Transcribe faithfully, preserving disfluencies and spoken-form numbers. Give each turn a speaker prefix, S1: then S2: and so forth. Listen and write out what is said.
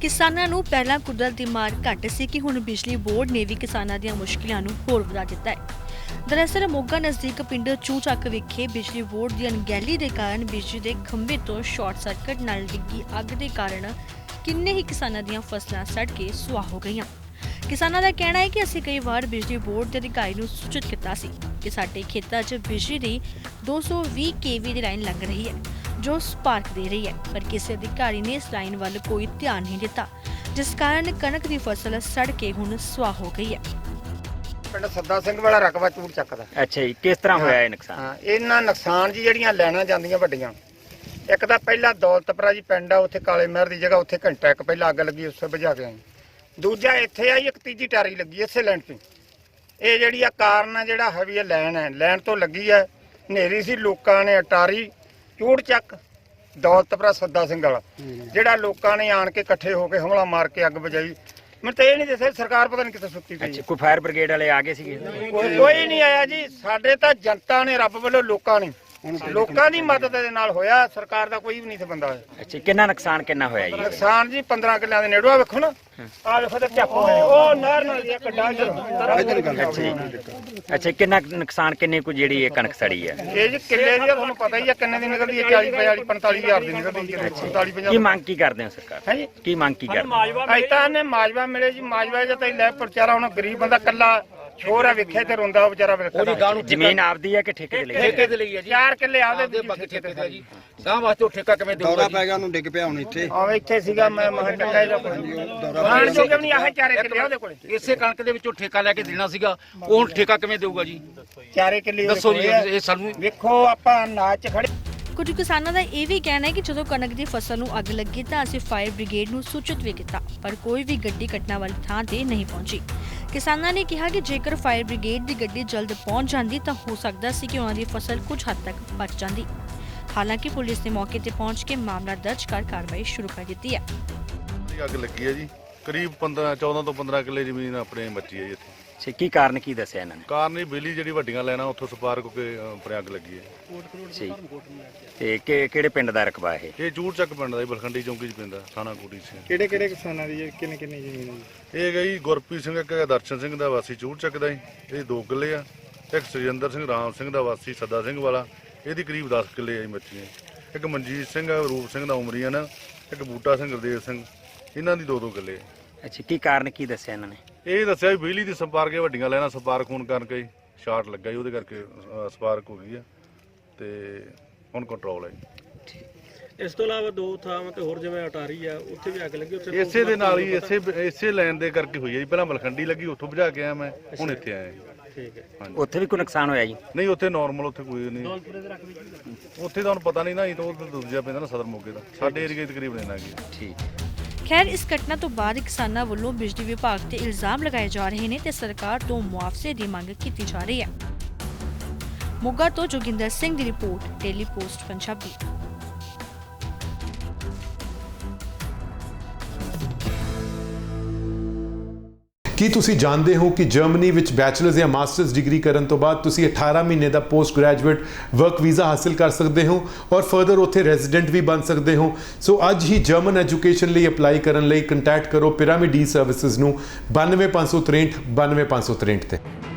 S1: ਕਿਸਾਨਾਂ ਨੂੰ ਪਹਿਲਾਂ ਕੁਦਰਤ ਦੀ ਮਾਰ ਘੱਟ ਸੀ ਕਿ ਹੁਣ ਬਿਜਲੀ ਬੋਰਡ ਨੇ ਵੀ ਕਿਸਾਨਾਂ ਦੀਆਂ ਮੁਸ਼ਕਿਲਾਂ ਨੂੰ ਹੋਰ ਵਧਾ ਦਿੱਤਾ ਹੈ। ਦਰਅਸਲ ਮੋਗਾ ਨਜ਼ਦੀਕ ਪਿੰਡ ਚੂਚੱਕ ਵਿਖੇ ਬਿਜਲੀ ਬੋਰਡ ਦੀ ਅਣਗਹਿਲੀ ਦੇ ਕਾਰਨ ਬਿਜਲੀ ਦੇ ਖੰਭੇ ਤੋਂ ਸ਼ਾਰਟ ਸਰਕਟ ਨਾਲ ਡਿੱਗੀ ਅੱਗ ਦੇ ਕਾਰਨ ਕਿੰਨੇ ਹੀ ਕਿਸਾਨਾਂ ਦੀਆਂ ਫਸਲਾਂ ਸੜ ਕੇ ਸੁਆਹ ਹੋ ਗਈਆਂ। ਕਿਸਾਨਾਂ ਦਾ ਕਹਿਣਾ ਹੈ ਕਿ ਅਸੀਂ ਕਈ ਵਾਰ ਬਿਜਲੀ ਬੋਰਡ ਦੇ ਅਧਿਕਾਰੀ ਨੂੰ ਸੂਚਿਤ ਕੀਤਾ ਸੀ ਕਿ ਸਾਡੇ ਖੇਤਾਂ 'ਚ ਬਿਜਲੀ ਦੀ ਦੋ ਸੌ ਵੀਹ ਕੇਵੀ ਦੀ ਲਾਈਨ ਲੰਘ ਰਹੀ ਹੈ ਜੋ ਸਪਾਰਕ ਦੇ ਰਹੀ ਹੈ, ਪਰ ਕਿਸੇ ਅਧਿਕਾਰੀ ਨੇ ਇਸ ਲਾਈਨ ਵੱਲ ਕੋਈ ਧਿਆਨ ਨਹੀਂ ਦਿੱਤਾ, ਜਿਸ ਕਾਰਨ ਕਣਕ ਦੀ ਫਸਲ ਸੜ ਕੇ ਹੁਣ ਸੁਆਹ ਹੋ ਗਈ ਹੈ।
S2: ਪਿੰਡ ਸੱਦਾ ਸਿੰਘ ਵਾਲਾ ਰਕਬਾ ਚੂੜ ਚੱਕਦਾ।
S3: ਅੱਛਾ ਜੀ, ਕਿਸ ਤਰ੍ਹਾਂ ਹੋਇਆ ਇਹ ਨੁਕਸਾਨ?
S2: ਹਾਂ, ਇਹਨਾਂ ਨੁਕਸਾਨ ਜੀ ਜਿਹੜੀਆਂ ਲੈਣਾ ਜਾਂਦੀਆਂ ਵੱਡੀਆਂ, ਇੱਕ ਤਾਂ ਪਹਿਲਾਂ ਦੌਲਤਪੁਰਾ ਜੀ ਪਿੰਡ ਆ, ਉੱਥੇ ਕਾਲੇ ਮਹਿਰ ਦੀ ਜਗ੍ਹਾ, ਉੱਥੇ ਘੰਟਾ ਇੱਕ ਪਹਿਲਾਂ ਅੱਗ ਲੱਗੀ, ਉਸੇ ਬੁਝਾ ਕੇ ਆਏ। ਦੂਜਾ ਇੱਥੇ ਆਈ ਇੱਕ ਤੀਜੀ ਟਾਰੀ ਲੱਗੀ ਇਸੇ ਲਾਈਨ ਤੇ। ਇਹ ਜਿਹੜੀ ਆ ਕਾਰਨ ਆ ਜਿਹੜਾ ਹੈਵੀ ਇਹ ਲਾਈਨ ਹੈ, ਲਾਈਨ ਤੋਂ ਲੱਗੀ ਹੈ, ਹਨੇਰੀ ਸੀ, ਲੋਕਾਂ ਨੇ ਅਟਾਰੀ ਚੂੜ ਚੱਕ ਦੌਲਤਪੁਰਾ ਸੱਦਾ ਸਿੰਘ ਵਾਲਾ ਜਿਹੜਾ ਲੋਕਾਂ ਨੇ ਆਣ ਕੇ ਇਕੱਠੇ ਹੋ ਕੇ ਹਮਲਾ ਮਾਰ ਕੇ ਅੱਗ ਬੁਝਾਈ। ਮੈਨੂੰ ਤਾਂ ਇਹ ਨਹੀਂ ਦੱਸਿਆ ਸਰਕਾਰ ਪਤਾ ਨਹੀਂ ਕਿੱਥੇ ਸੁੱਤੀ ਪਈ।
S3: ਅੱਛਾ, ਕੋਈ ਫਾਇਰ ਬ੍ਰਿਗੇਡ ਵਾਲੇ ਆ ਗਏ ਸੀਗੇ?
S2: ਕੋਈ ਕੋਈ ਨਹੀਂ ਆਇਆ ਜੀ, ਸਾਡੇ ਤਾਂ ਜਨਤਾ ਨੇ, ਰੱਬ ਵੱਲੋਂ ਲੋਕਾਂ ਨੇ, ਲੋਕਾਂ ਦੀ ਮਦਦ ਦੇ ਨਾਲ ਹੋਇਆ, ਸਰਕਾਰ ਦਾ ਕੋਈ ਵੀ ਨਹੀਂ ਸੀ ਬੰਦਾ ਹੋਇਆ।
S3: ਅੱਛਾ, ਕਿੰਨਾ ਨੁਕਸਾਨ ਕਿੰਨਾ ਹੋਇਆ ਜੀ?
S2: ਨੁਕਸਾਨ ਜੀ ਪੰਦਰਾਂ ਕਿੱਲਿਆਂ ਦੇ ਨੇੜੇ ਆ, ਵੇਖੋ ਨਾ, ਆ ਵੇਖੋ ਤੇ ਝੱਪ ਹੋਏ, ਉਹ ਨਹਿਰ ਨਾਲ ਇੱਕ ਡਾਂਜਰ।
S3: ਅੱਛਾ ਜੀ, ਅੱਛਾ, ਕਿੰਨਾ ਕੁ ਨੁਕਸਾਨ, ਕਿੰਨੇ ਕੁ ਜਿਹੜੀ ਇਹ ਕਣਕ ਸੜੀ ਹੈ?
S2: ਇਹ ਜੀ ਕਿੱਲੇ ਦੀ ਤੁਹਾਨੂੰ ਪਤਾ ਹੀ ਆ ਕਿੰਨੇ ਦੀ ਨਿਕਲਦੀ ਹੈ, ਚਾਲੀ ਪੰਜਾਲੀ ਪੰਤਾਲੀ ਹਜ਼ਾਰ ਦੀ ਨਿਕਲਦੀ ਹੈ, ਪੰਤਾਲੀ ਪੰਜਾਹ।
S3: ਕੀ ਮੰਗ ਕੀ ਕਰਦੇ ਹੋ ਸਰਕਾਰ?
S2: ਹੈ ਜੀ,
S3: ਕੀ ਮੰਗ ਕੀ ਕਰਦੇ?
S2: ਅਜ ਤਾਂ ਨੇ ਮਾਜਵਾ ਮਿਲੇ ਜੀ, ਮਾਜਵਾ ਜੇ ਤਾਂ ਲੈ ਵਿਚਾਰਾ ਹੁਣ ਗਰੀਬ ਬੰਦਾ ਕੱਲਾ ਛੋਰ ਆ, ਵੇਖੇ ਤੇ ਰੋਂਦਾ ਉਹ ਵਿਚਾਰਾ।
S3: ਜ਼ਮੀਨ ਆਪਦੀ ਹੈ ਕਿ ਠੇਕੇ ਤੇ ਲਈ?
S4: ਠੇਕੇ ਤੇ ਲਈ ਹੈ ਜੀ,
S2: ਚਾਰ ਕਿੱਲੇ ਆਪਦੇ,
S4: ਬਾਕੀ ਠੇਕੇ ਤੇ ਜੀ। ਗਾਂ ਵਾਸਤੇ ਉਹ ਠੇਕਾ ਕਿਵੇਂ ਦੇਊਗਾ?
S5: ਦੌਰਾ ਪੈ ਗਿਆ ਉਹਨੂੰ, ਡਿੱਗ ਪਿਆ ਹੁਣ ਇੱਥੇ।
S2: ਆਵੇਂ ਇੱਥੇ ਸੀਗਾ, ਮੈਂ ਮਹਾਂ ਟੱਕਾ ਇਹਦਾ ਖਾਣ ਜੋਗੇ ਵੀ ਨਹੀਂ, ਆਹ ਚਾਰੇ ਕਿੱਲੇ ਉਹਦੇ ਕੋਲੇ।
S4: ਇਸੇ ਕਣਕ ਦੇ ਵਿੱਚੋਂ ਠੇਕਾ ਲੈ ਕੇ ਦੇਣਾ ਸੀਗਾ, ਉਹ ਹੁਣ ਠੇਕਾ ਕਿਵੇਂ ਦੇਊਗਾ ਜੀ?
S2: ਚਾਰੇ ਕਿੱਲੇ
S4: ਦੱਸੋ ਜੀ, ਇਹ ਸਾਨੂੰ
S2: ਵੇਖੋ ਆਪਾਂ ਨਾਚ ਖੜੇ।
S1: ਕੁਝ ਕਿਸਾਨਾਂ ਦਾ ਇਹ ਵੀ ਕਹਿਣਾ ਹੈ ਕਿ ਜਦੋਂ ਕਣਕ ਦੀ ਫਸਲ ਨੂੰ ਅੱਗ ਲੱਗੀ ਤਾਂ ਅਸੀਂ ਫਾਇਰ ਬ੍ਰਿਗੇਡ ਨੂੰ ਸੂਚਿਤ ਵੀ ਕੀਤਾ, ਪਰ ਕੋਈ ਵੀ ਗੱਡੀ ਘਟਨਾ ਵਾਲੀ ਥਾਂ ਤੇ ਨਹੀਂ ਪਹੁੰਚੀ। ਕਿਸਾਨਾਂ ਨੇ ਕਿਹਾ ਕਿ ਜੇਕਰ ਫਾਇਰ ਬ੍ਰਿਗੇਡ ਦੀ ਗੱਡੀ ਜਲਦ ਪਹੁੰਚ ਜਾਂਦੀ ਤਾਂ ਹੋ ਸਕਦਾ ਸੀ ਕਿ ਉਹਨਾਂ ਦੀ ਫਸਲ ਕੁਝ ਹੱਦ ਤੱਕ ਬਚ ਜਾਂਦੀ। ਹਾਲਾਂਕਿ ਪੁਲਿਸ ਨੇ ਮੌਕੇ ਤੇ ਪਹੁੰਚ ਕੇ ਮਾਮਲਾ ਦਰਜ ਕਰ ਕਾਰਵਾਈ ਸ਼ੁਰੂ ਕਰ ਦਿੱਤੀ ਹੈ।
S6: ਅੱਗ ਲੱਗੀ ਹੈ ਜੀ, ਕਰੀਬ ਪੰਦਰਾਂ ਚੌਦਾਂ ਤੋਂ ਪੰਦਰਾਂ ਕਿੱਲੇ ਜ਼ਮੀਨ ਆਪਣੇ ਬਚੀ ਹੈ ਜੀ ਇੱਥੇ।
S3: ਅੱਛਾ, ਕੀ ਕਾਰਨ ਕੀ ਦੱਸਿਆ ਇਹਨਾਂ ਨੇ?
S6: ਕਾਰਨ ਹੀ ਬਿਜਲੀ ਜਿਹੜੀ ਵੱਡੀਆਂ ਲੈਣਾ ਉੱਥੋਂ ਸਪਾਰਕ ਹੋ ਕੇ ਆਪਣੇ ਅੱਗ ਲੱਗੀ ਹੈ।
S3: ਅੱਛਾ ਜੀ, ਤੇ ਕਿ- ਕਿਹੜੇ ਪਿੰਡ ਦਾ ਰਕਬਾ ਇਹ?
S6: ਇਹ ਚੂੜ ਚੱਕ ਪਿੰਡ ਦਾ ਜੀ, ਬਲਖੰਡੀ ਚੌਂਕੀ 'ਚ ਪੈਂਦਾ, ਥਾਣਾ ਕੋਟੀ 'ਚ।
S2: ਕਿਹੜੇ ਕਿਹੜੇ ਕਿਸਾਨਾਂ ਦੀ ਕਿੰਨੇ ਕਿੰਨੇ ਜ਼ਮੀਨ ਹੈ?
S6: ਇਹ ਗਈ ਗੁਰਪ੍ਰੀਤ ਸਿੰਘ, ਇੱਕ ਦਰਸ਼ਨ ਸਿੰਘ ਦਾ ਵਾਸੀ ਚੂੜ ਚੱਕ ਦਾ ਜੀ, ਇਹ ਦੋ ਕਿੱਲੇ ਆ। ਇੱਕ ਸੁਰਿੰਦਰ ਸਿੰਘ ਰਾਮ ਸਿੰਘ ਦਾ ਵਾਸੀ ਸੱਦਾ ਸਿੰਘ ਵਾਲਾ, ਇਹਦੀ ਕਰੀਬ ਦਸ ਕਿੱਲੇ ਆ ਜੀ ਮੱਛੀਆਂ। ਇੱਕ ਮਨਜੀਤ ਸਿੰਘ ਰੂਪ ਸਿੰਘ ਦਾ ਉਮਰੀਅਨ, ਇੱਕ ਬੂਟਾ ਸਿੰਘ ਗੁਰਦੇਵ ਸਿੰਘ, ਇਹਨਾਂ ਦੀ ਦੋ ਦੋ ਕਿੱਲੇ।
S3: ਅੱਛਾ, ਕੀ ਕਾਰਨ ਕੀ ਦੱਸਿਆ ਇਹਨਾਂ ਨੇ?
S6: ਇਹ ਦੱਸਿਆ ਵੀ ਬਿਜਲੀ ਦੀ ਸਪਾਰਕ ਵੱਡੀਆਂ ਲੈਣਾ ਸਪਾਰਕ ਹੋਣ ਕਰਕੇ ਸ਼ਾਰਟ ਲੱਗਾ ਜੀ, ਉਹਦੇ ਕਰਕੇ ਸਪਾਰਕ ਹੋ ਗਈ ਆ ਤੇ ਹੁਣ ਕੰਟਰੋਲ ਹੈ ਜੀ।
S7: ਇਸ ਤੋਂ ਇਲਾਵਾ ਦੋ ਥਾਵਾਂ ਤੇ ਹੋਰ ਜਿਵੇਂ ਅਟਾਰੀ ਆ, ਉੱਥੇ ਵੀ ਅੱਗ ਲੱਗੀ, ਉੱਥੇ
S6: ਇਸੇ ਦੇ ਨਾਲ ਹੀ ਇਸੇ ਇਸੇ ਲਾਈਨ ਦੇ ਕਰਕੇ ਹੋਈ ਹੈ ਜੀ। ਪਹਿਲਾਂ ਮਲਖੰਡੀ ਲੱਗੀ, ਉੱਥੋਂ ਬੁਝਾ ਕੇ ਆਇਆ ਮੈਂ, ਹੁਣ ਇੱਥੇ ਆਇਆ ਜੀ।
S7: ਠੀਕ ਹੈ।
S6: ਹਾਂਜੀ,
S3: ਉੱਥੇ ਵੀ ਕੋਈ ਨੁਕਸਾਨ ਹੋਇਆ ਜੀ?
S6: ਨਹੀਂ ਉੱਥੇ ਨਾਰਮਲ, ਉੱਥੇ ਕੋਈ ਨਹੀਂ। ਉੱਥੇ ਤਾਂ ਹੁਣ ਪਤਾ ਨਹੀਂ ਨਾ, ਇਹ ਤਾਂ ਉਹ ਦੂਜਾ ਪੈਂਦਾ ਨਾ ਸਦਰ ਮੋਗੇ ਦਾ, ਸਾਡੇ ਏਰੀਏ ਤਕਰੀਬਨ ਇੰਨਾ ਕੀ।
S3: ਠੀਕ।
S1: ਖੈਰ, ਇਸ ਘਟਨਾ ਤੋਂ ਬਾਅਦ ਕਿਸਾਨਾਂ ਵੱਲੋਂ ਬਿਜਲੀ ਵਿਭਾਗ ਤੇ ਇਲਜ਼ਾਮ ਲਗਾਏ ਜਾ ਰਹੇ ਨੇ ਤੇ ਸਰਕਾਰ ਤੋਂ ਮੁਆਵਜ਼ੇ ਦੀ ਮੰਗ ਕੀਤੀ ਜਾ ਰਹੀ ਹੈ। ਮੋਗਾ ਤੋਂ ਜੋਗਿੰਦਰ ਸਿੰਘ ਦੀ ਰਿਪੋਰਟ, ਡੇਲੀ ਪੋਸਟ ਪੰਜਾਬੀ।
S8: ਕੀ ਤੁਸੀਂ ਜਾਣਦੇ ਹੋ ਕਿ ਜਰਮਨੀ ਵਿੱਚ ਬੈਚਲਰਸ ਜਾਂ ਮਾਸਟਰਸ ਡਿਗਰੀ ਕਰਨ ਤੋਂ ਬਾਅਦ ਤੁਸੀਂ ਅਠਾਰਾਂ ਮਹੀਨੇ ਦਾ ਪੋਸਟ ਗ੍ਰੈਜੂਏਟ ਵਰਕ ਵੀਜ਼ਾ ਹਾਸਲ ਕਰ ਸਕਦੇ ਹੋ ਔਰ ਫਰਦਰ ਉੱਥੇ ਰੈਜ਼ੀਡੈਂਟ ਵੀ ਬਣ ਸਕਦੇ ਹੋ। ਸੋ ਅੱਜ ਹੀ ਜਰਮਨ ਐਜੂਕੇਸ਼ਨ ਲਈ ਅਪਲਾਈ ਕਰਨ ਲਈ ਕੰਟੈਕਟ ਕਰੋ ਪਿਰਾਮਿਡ ਈ ਸਰਵਿਸਿਜ਼ ਨੂੰ ਬਾਨਵੇਂ ਪੰਜ ਸੌ ਤ੍ਰੇਹਠ ਬਾਨਵੇਂ ਪੰਜ ਸੌ ਤ੍ਰੇਹਠ ਤੇ।